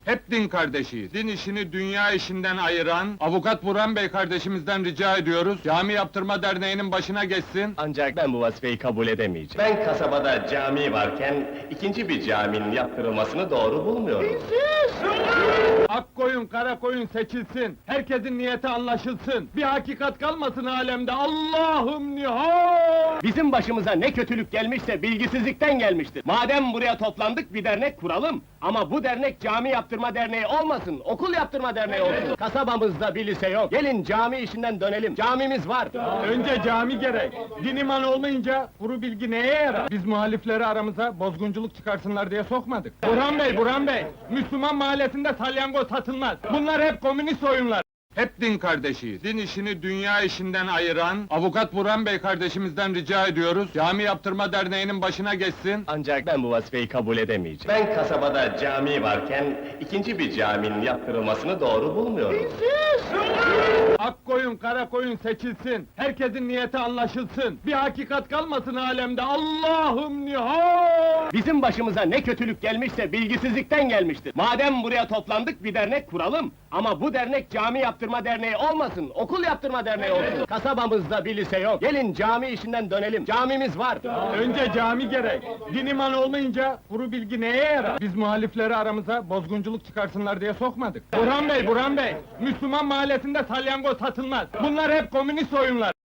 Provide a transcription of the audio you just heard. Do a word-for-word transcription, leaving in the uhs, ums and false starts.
Hep din kardeşiyiz. Din işini dünya işinden ayıran avukat Burhan Bey kardeşimizden rica ediyoruz. Cami Yaptırma Derneği'nin başına geçsin. Ancak ben bu vazifeyi kabul edemeyeceğim. Ben kasabada cami varken ikinci bir caminin yaptırılmasını doğru bulmuyorum. Ak koyun, kara koyun seçilsin. Herkesin niyeti anlaşılsın. Bir hakikat kalmasın alemde. Allah'ım nihal! Bizim başımıza ne kötülük gelmişse bilgisizlikten gelmiştir. Madem buraya toplandık bir dernek kuralım. Ama bu dernek cami yaptırma derneği olmasın, okul yaptırma derneği olsun. Kasabamızda bir lise yok. Gelin cami işinden dönelim. Camimiz var. Önce cami gerek. Din iman olmayınca kuru bilgi neye yarar? Biz muhalifleri aramıza bozgunculuk çıkarsınlar diye sokmadık. Burhan Bey, Burhan Bey! Müslüman mahallesinde salyangoz satılmaz. Bunlar hep komünist oyunlar. Hep din kardeşiyiz. Din işini dünya işinden ayıran avukat Burhan Bey kardeşimizden rica ediyoruz. Cami Yaptırma Derneği'nin başına geçsin. Ancak ben bu vazifeyi kabul edemeyeceğim. Ben kasabada cami varken ikinci bir caminin yaptırılmasını doğru bulmuyorum. Ak koyun, kara koyun seçilsin. Herkesin niyeti anlaşılsın. Bir hakikat kalmasın alemde. Allah'ım nihal! Bizim başımıza ne kötülük gelmişse bilgisizlikten gelmiştir. Madem buraya toplandık bir dernek kuralım. Ama bu dernek cami yaptırma derneği olmasın, okul yaptırma derneği olsun. Kasabamızda bir lise yok. Gelin cami işinden dönelim. Camimiz var. Önce cami gerek. Din iman olmayınca kuru bilgi neye yarar? Biz muhalifleri aramıza bozgunculuk çıkarsınlar diye sokmadık. Burhan Bey, Burhan Bey! Müslüman mahallesinde salyangoz satılmaz. Bunlar hep komünist oyunlar.